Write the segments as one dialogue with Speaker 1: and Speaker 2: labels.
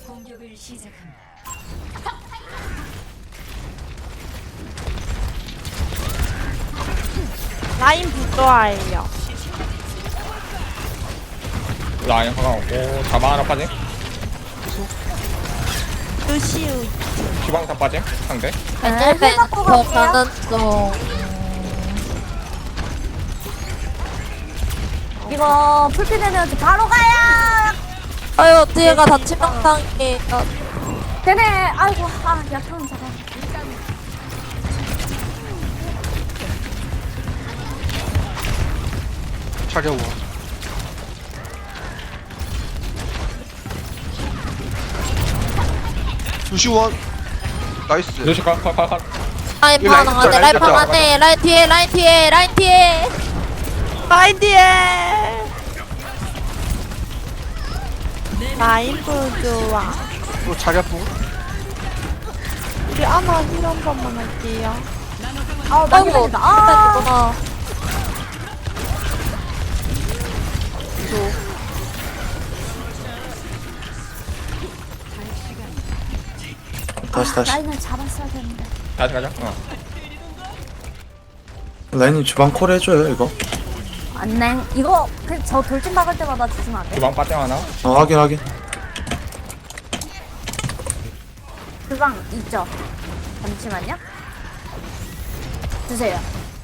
Speaker 1: 공격을 시작합니다.
Speaker 2: 라인 부조화예요.
Speaker 3: 라인 하나 없고 자방 하나 빠짐.
Speaker 2: 루시우.
Speaker 3: 시방탄 빠짐 상대.
Speaker 4: 벤
Speaker 5: 갖고 갈게요.
Speaker 4: 가는 중.
Speaker 5: 이거 풀피 되면 바로 가야.
Speaker 4: 아유 뒤에가 단체 명상이.
Speaker 5: 되네. 아이고 약한 자가.
Speaker 6: 차려워. 수시원 나이스.
Speaker 3: 루시 컷.
Speaker 4: 라인
Speaker 6: 라인
Speaker 4: 방 안에
Speaker 6: 잡자,
Speaker 4: 라인 방
Speaker 6: 라인
Speaker 4: 안에 라인 뒤에 라인 뒤에 라인 뒤에.
Speaker 2: 라인 뒤에. 라인 부조화.
Speaker 6: 또 차려부.
Speaker 2: 우리 아나 힐 한 번만 할게요.
Speaker 5: 많이
Speaker 4: 아이고
Speaker 5: 걸린다. 아.
Speaker 4: 아.
Speaker 7: 다시
Speaker 5: 라인을 잡았어야 되는데.
Speaker 3: 다시 가자.
Speaker 7: 라인님 주방 콜 해줘요 이거.
Speaker 5: 안냉. 이거 저 돌진 박을 때마다 주시면 안 돼?
Speaker 3: 주방 빠짐 하나.
Speaker 7: 확인.
Speaker 5: 주방 있죠? 잠시만요. 주세요.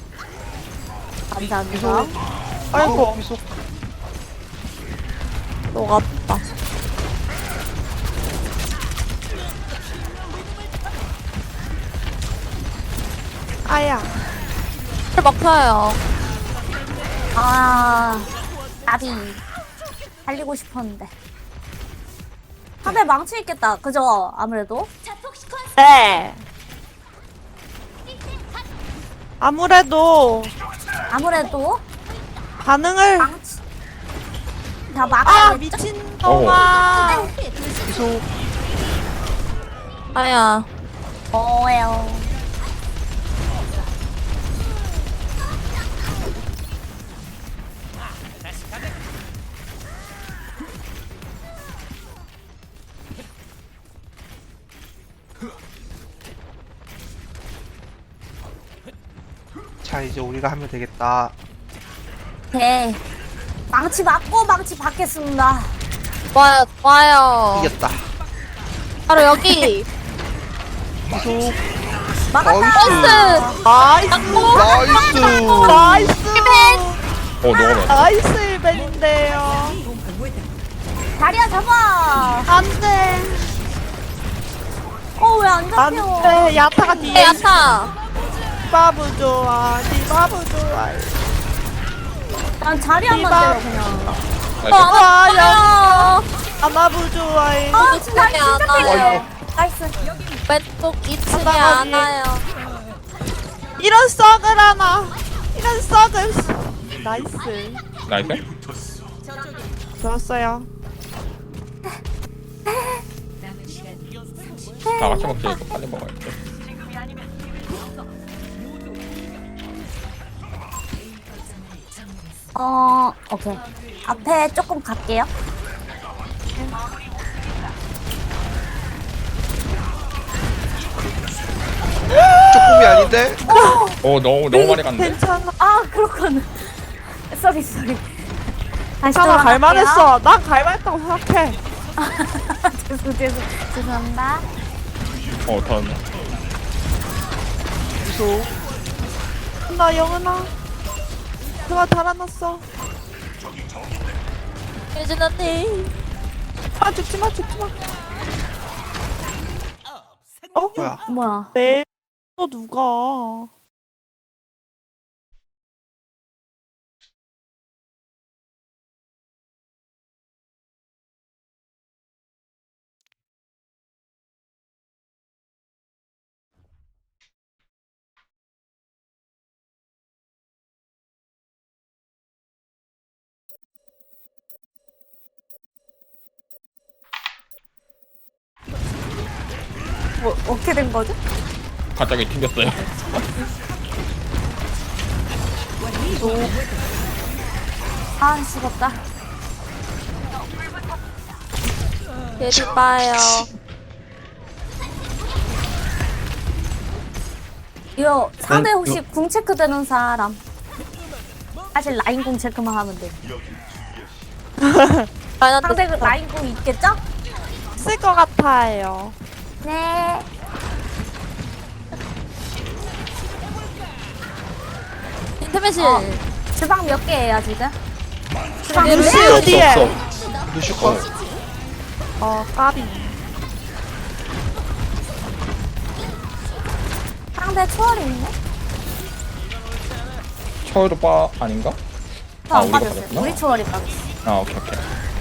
Speaker 5: 감사합니다.
Speaker 2: 아이고,
Speaker 6: 미소.
Speaker 2: 녹았다. 아야.
Speaker 4: 막혀요.
Speaker 5: 나비. 달리고 싶었는데. 다들 망치 있겠다. 그죠? 아무래도.
Speaker 2: 네. 아무래도 반응을
Speaker 5: 망치. 다
Speaker 2: 아
Speaker 5: 막아야겠죠?
Speaker 2: 미친놈아.
Speaker 6: 미소.
Speaker 4: 아야.
Speaker 5: 뭐예요?
Speaker 6: 자 이제 우리가 하면 되겠다.
Speaker 5: 네. 망치 맞고 망치 받겠습니다.
Speaker 4: 좋아요.
Speaker 6: 이겼다.
Speaker 4: 바로 여기.
Speaker 6: 미소.
Speaker 5: 막았다.
Speaker 2: 나이스.
Speaker 6: 나이스.
Speaker 2: 나이스.
Speaker 3: 녹아버렸어.
Speaker 2: 나이스 일벤인데요.
Speaker 5: 다리야 잡아.
Speaker 2: 안돼.
Speaker 5: 왜 안 잡혀?
Speaker 2: 안돼. 야타가 뒤에.
Speaker 4: 야타.
Speaker 2: 디바브 좋아. 디바브 좋아.
Speaker 5: 난 자리야만
Speaker 2: 디바.
Speaker 5: 때려 그냥.
Speaker 2: 와, 야.
Speaker 4: 야.
Speaker 2: 아나부 좋아해.
Speaker 5: 진짜
Speaker 4: 안 와요.
Speaker 5: 필요해. 나이스.
Speaker 4: 왼쪽 2층에
Speaker 2: 하다가
Speaker 4: 안 와요.
Speaker 2: 이런 썩을 하나. 이런 썩을. 나이스.
Speaker 3: 나이스.
Speaker 2: 좋았어요.
Speaker 1: 남은 시간 30초.
Speaker 3: 다 같이 먹지. 이거 빨리 먹어야지.
Speaker 5: 오케이. 앞에 조금 갈게요.
Speaker 6: 조금이 아닌데.
Speaker 3: 너무 많이 갔는데.
Speaker 2: 괜찮아.
Speaker 5: 그렇구나. 쏘리. 다시
Speaker 2: 괜찮아.
Speaker 5: 돌아갈게요.
Speaker 2: 갈만했어. 난 갈만했다고 생각해.
Speaker 5: 죄송합니다.
Speaker 3: 터졌네.
Speaker 6: 미소.
Speaker 2: 나 영은아. 그가 달아났어.
Speaker 4: 예진 언니.
Speaker 2: 죽지 마.
Speaker 6: 뭐야?
Speaker 5: 뭐야?
Speaker 2: 내 또 누가?
Speaker 5: 뭐 어떻게 된 거죠?
Speaker 3: 갑자기 튕겼어요.
Speaker 5: 죽었다.
Speaker 4: 예비 봐요.
Speaker 5: 이거 상대
Speaker 7: 난
Speaker 5: 혹시 궁 체크 되는 사람? 사실 라인 궁 체크만 하면 돼. 상대 그 라인 궁 있겠죠?
Speaker 2: 쓸 것 같아요.
Speaker 5: 네.
Speaker 4: 인터넷이
Speaker 5: 주방 몇 개예요 지금? 주방
Speaker 4: 네,
Speaker 5: 몇 개?
Speaker 2: 루시우 뒤에.
Speaker 7: 없어.
Speaker 6: 루슈 컷.
Speaker 2: 까비.
Speaker 5: 상대 초월이 있네?
Speaker 3: 초월도 빠 아닌가?
Speaker 5: 저안
Speaker 3: 우리가
Speaker 5: 빠졌어요.
Speaker 3: 빠졌구나.
Speaker 5: 우리 초월이 빠졌어.
Speaker 3: 아 오케이 오케이.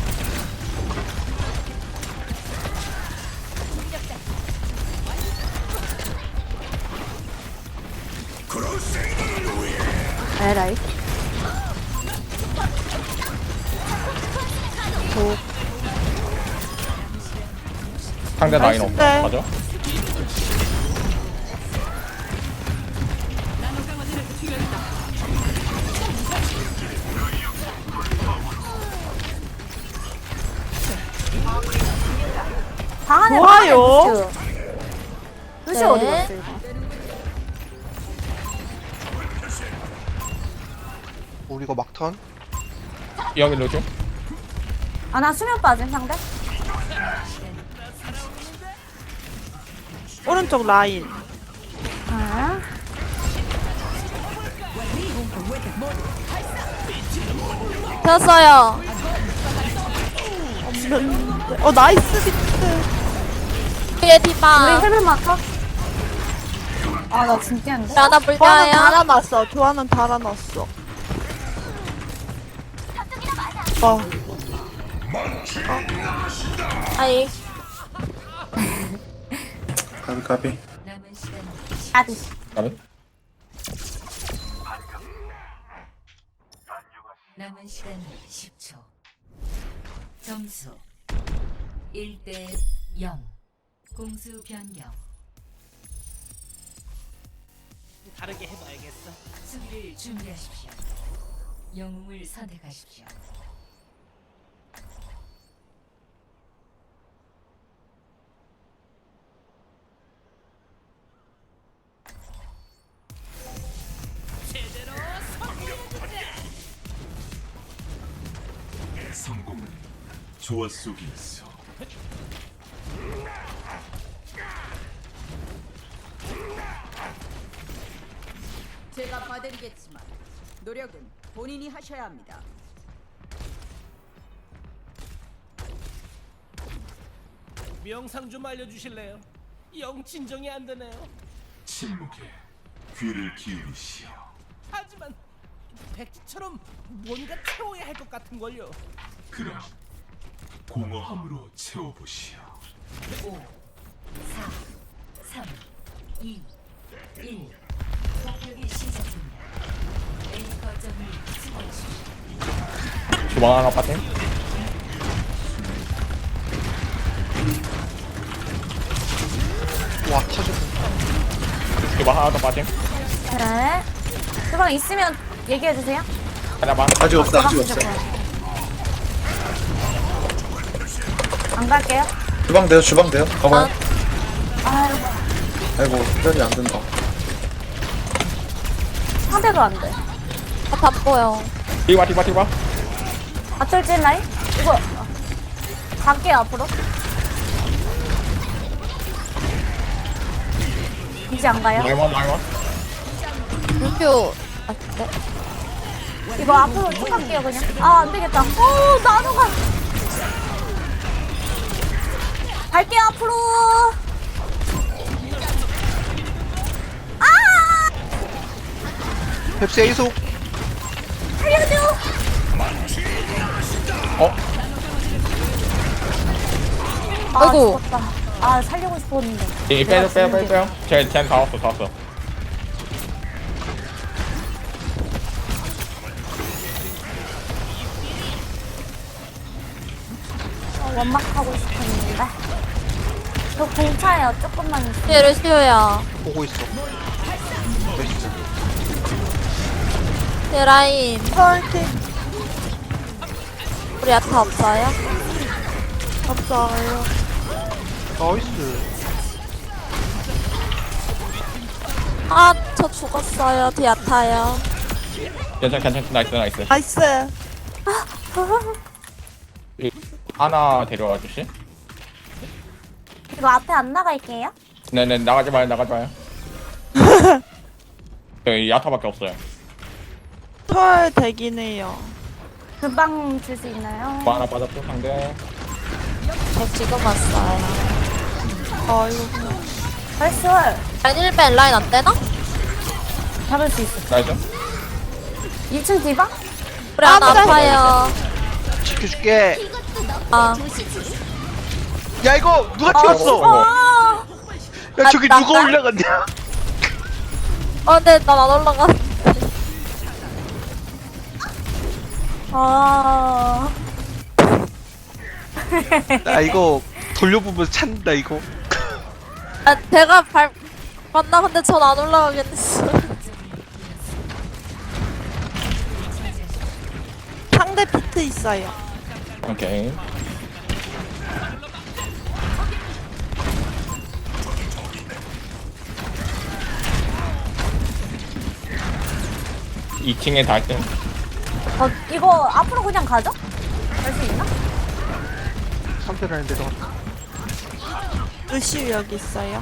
Speaker 5: 에라이.
Speaker 3: 상대 라인 없어.
Speaker 2: 나이스인데.
Speaker 3: 맞아?
Speaker 5: 방 안에
Speaker 2: 좋아요.
Speaker 5: 루시우. 루시우
Speaker 4: 네.
Speaker 5: 어디 갔어 이거?
Speaker 6: 우리가 막턴.
Speaker 3: 여기 루시.
Speaker 5: 아 나 수면 빠진 상대?
Speaker 2: 오른쪽 라인.
Speaker 5: 아.
Speaker 4: 졌어요.
Speaker 2: 없는데. 나이스 비트.
Speaker 4: 예비
Speaker 5: 우리
Speaker 4: 봐.
Speaker 5: 헬멧 마커? 아나 진짜 안 돼.
Speaker 4: 하나
Speaker 2: 교환은
Speaker 4: 불려요.
Speaker 2: 달아놨어. 교환은 달아놨어.
Speaker 4: 아이
Speaker 7: 까비 까비.
Speaker 1: 남은 시간
Speaker 5: 아디.
Speaker 3: 나는
Speaker 1: 남은 시간 10초. 점수 1대 0. 공수 변경.
Speaker 8: 다르게 해봐야겠어.
Speaker 1: 수비를 준비하십시오. 영웅을 선택하십시오.
Speaker 9: 성공은 조화 속에 있어.
Speaker 10: 제가 봐드리겠지만 노력은 본인이 하셔야 합니다.
Speaker 8: 명상 좀 알려주실래요? 영 진정이 안 되네요.
Speaker 9: 침묵에 귀를 기울이시오.
Speaker 8: 하지만 백지처럼 뭔가 채워야 할 것 같은 걸요.
Speaker 9: 그럼 공허함으로 채워보시오.
Speaker 1: 5, 4, 3, 2, 1. 공격이 시작됩니다. A 거점을 수비하십시오.
Speaker 3: 주방 하나 빠짐.
Speaker 6: 와 터졌어.
Speaker 3: 주방 하나 더 빠짐.
Speaker 5: 네. 주방 있으면 얘기해 주세요.
Speaker 3: 하나만.
Speaker 7: 아직 없어 아직 없어.
Speaker 5: 안 갈게요.
Speaker 7: 주방 돼요. 가봐요.
Speaker 5: 아이고.
Speaker 7: 아이고 특별히 안 된다.
Speaker 5: 상대도 안 돼.
Speaker 4: 다 보여.
Speaker 3: 디바 디바 디바.
Speaker 5: 맞돌진 라인? 이거 갈게요 앞으로. 이제 안 가요?
Speaker 3: 라이먼 라이먼.
Speaker 4: 루표. 아, 네.
Speaker 5: 이거 앞으로 쭉 갈게요 그냥. 아 안 되겠다. 오 나도 가. 갈게요 앞으로.
Speaker 6: 펩시 A속.
Speaker 5: 살려줘.
Speaker 3: 어?
Speaker 5: 아
Speaker 4: 아이고.
Speaker 5: 죽었다. 아 살리고 싶었는데.
Speaker 3: 빼요. 쟤다 왔어.
Speaker 5: 원막하고 싶었는데. 저 공차예요 조금만 있으면.
Speaker 4: 뒤에 루시오야.
Speaker 6: 보고 있어. 나이스.
Speaker 4: 뒤에 라인.
Speaker 2: 펄팅.
Speaker 4: 우리 야타 없어요?
Speaker 2: 없어요.
Speaker 6: 나이스.
Speaker 4: 아, 저 죽었어요. 디아타요.
Speaker 3: 괜찮. 나이스.
Speaker 2: 나이스.
Speaker 3: 하나 데려와 주시.
Speaker 5: 이거 앞에 안 나갈게요.
Speaker 3: 네네 나가지 마요. 여기 야타밖에 없어요.
Speaker 2: 털 되긴 해요.
Speaker 5: 금방 줄 수 있나요?
Speaker 3: 뭐 하나 받았고 상대.
Speaker 4: 저 지금 왔어요.
Speaker 2: 이거 그냥.
Speaker 5: 나이스.
Speaker 4: 라인 1벤 라인 안 되나?
Speaker 5: 잡을 수 있어.
Speaker 3: 나이스.
Speaker 5: 2층 디바?
Speaker 4: 우리 하나 아파요.
Speaker 6: 지켜줄게.
Speaker 4: 아,
Speaker 6: 야 이거 누가 튀었어?
Speaker 5: 아,
Speaker 6: 야 저기
Speaker 4: 나-
Speaker 6: 누가
Speaker 4: 나-
Speaker 6: 올라갔냐?
Speaker 4: 근데 난 안 올라가.
Speaker 5: 아.
Speaker 6: 나 이거 돌려보면서 찾는다 이거.
Speaker 4: 아, 제가 맞나? 근데 전 안 올라가겠어.
Speaker 2: 상대 비트 있어요.
Speaker 3: 오케이. 이층에 닿을 때
Speaker 5: 이거 앞으로 그냥 가죠? 갈 수 있나?
Speaker 6: 3대 라인 내려갔다.
Speaker 2: 루시우 여기 있어요.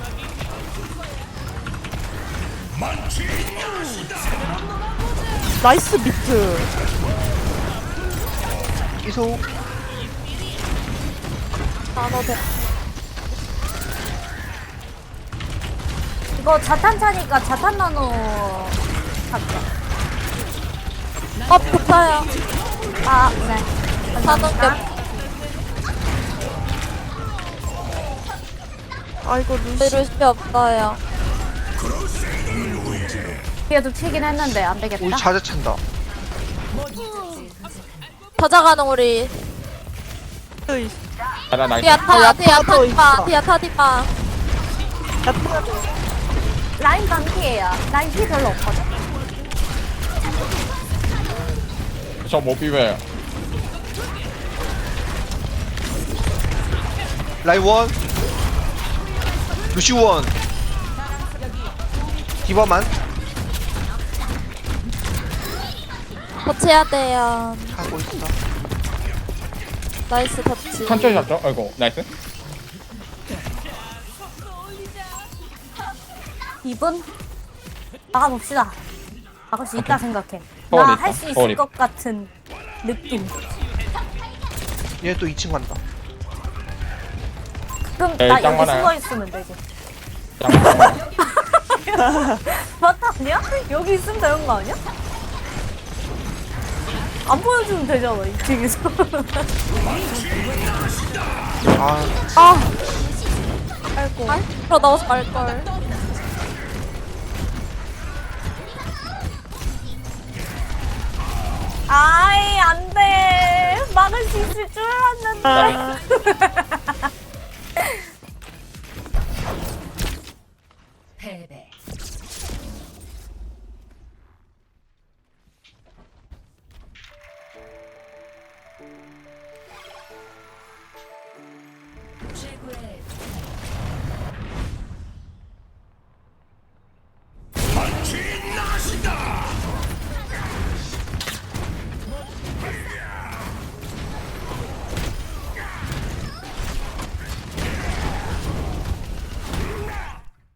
Speaker 2: 나이스 비트.
Speaker 6: 이소.
Speaker 5: 이거 자탄 차니까 자탄 나노 잡자.
Speaker 4: 붙어요.
Speaker 5: 아, 네.
Speaker 4: 사는 게
Speaker 2: 아이고 루시.
Speaker 4: 루시 없어요.
Speaker 5: 뒤에도 튀긴 했는데 안
Speaker 6: 우리
Speaker 5: 되겠다.
Speaker 6: 자자 찬다.
Speaker 4: 찾아가는 우리
Speaker 3: 하나 나이스.
Speaker 4: 디아타
Speaker 2: 야타도 있어.
Speaker 4: 디아타 디파.
Speaker 5: 라인 반피예요. 라인 피 별로 없거든.
Speaker 3: 저못 비벼요.
Speaker 6: 라인 원. 루시 원. 디바만
Speaker 4: 터치해야 돼요.
Speaker 6: 하고 있어.
Speaker 4: 나이스 터치.
Speaker 3: 천천히 잡죠. 아이고 나이스.
Speaker 5: 2분? 막아봅시다. 막을 수 있다 생각해.
Speaker 3: 서울에
Speaker 5: 나
Speaker 3: 있다.
Speaker 5: 할 수 있을
Speaker 3: 서울에
Speaker 5: 것 같은 느낌.
Speaker 6: 얘 또 2층 간다.
Speaker 5: 그럼
Speaker 3: 에이,
Speaker 5: 나
Speaker 3: 짱
Speaker 5: 여기
Speaker 3: 많아요.
Speaker 5: 숨어 있으면 되지.
Speaker 3: 짱.
Speaker 5: 맞다 아니야? 여기 있으면 되는 거 아니야? 안 보여주면 되잖아 2층에서.
Speaker 6: 아
Speaker 2: 아이고.
Speaker 4: 그럼 나와서 말걸.
Speaker 5: 아이 안돼. 막을 수 있을 줄 알았는데.